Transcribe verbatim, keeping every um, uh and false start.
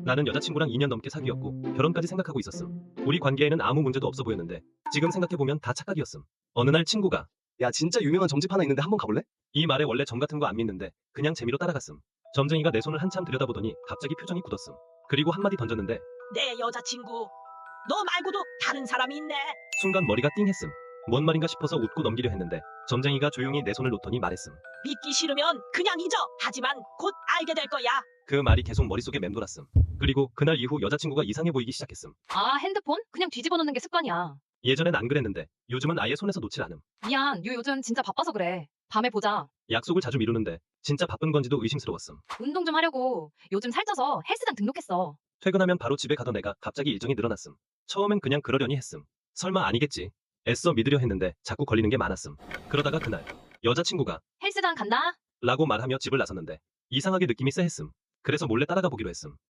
나는 여자친구랑 이 년 넘게 사귀었고 결혼까지 생각하고 있었음. 우리 관계에는 아무 문제도 없어 보였는데 지금 생각해보면 다 착각이었음. 어느 날 친구가 야, 진짜 유명한 점집 하나 있는데 한번 가볼래? 이 말에 원래 점 같은 거 안 믿는데 그냥 재미로 따라갔음. 점쟁이가 내 손을 한참 들여다보더니 갑자기 표정이 굳었음. 그리고 한마디 던졌는데 내 여자친구. 너 말고도 다른 사람이 있네. 순간 머리가 띵했음. 뭔 말인가 싶어서 웃고 넘기려 했는데 점쟁이가 조용히 내 손을 놓더니 말했음. 믿기 싫으면 그냥 잊어. 하지만 곧 알게 될 거야. 그 말이 계속 머릿속에 맴돌았음. 그리고 그날 이후 여자친구가 이상해 보이기 시작했음. 아, 핸드폰? 그냥 뒤집어 놓는 게 습관이야. 예전엔 안 그랬는데 요즘은 아예 손에서 놓질 않음. 미안, 요 요즘 진짜 바빠서 그래. 밤에 보자. 약속을 자주 미루는데 진짜 바쁜 건지도 의심스러웠음. 운동 좀 하려고. 요즘 살쪄서 헬스장 등록했어. 퇴근하면 바로 집에 가던 애가 갑자기 일정이 늘어났음. 처음엔 그냥 그러려니 했음. 설마 아니겠지. 애써 믿으려 했는데 자꾸 걸리는 게 많았음. 그러다가 그날 여자친구가 헬스장 간다? 라고 말하며 집을 나섰는데 이상하게 느낌이 쎄했음. 그래서 몰래 따라가 보기로 했음.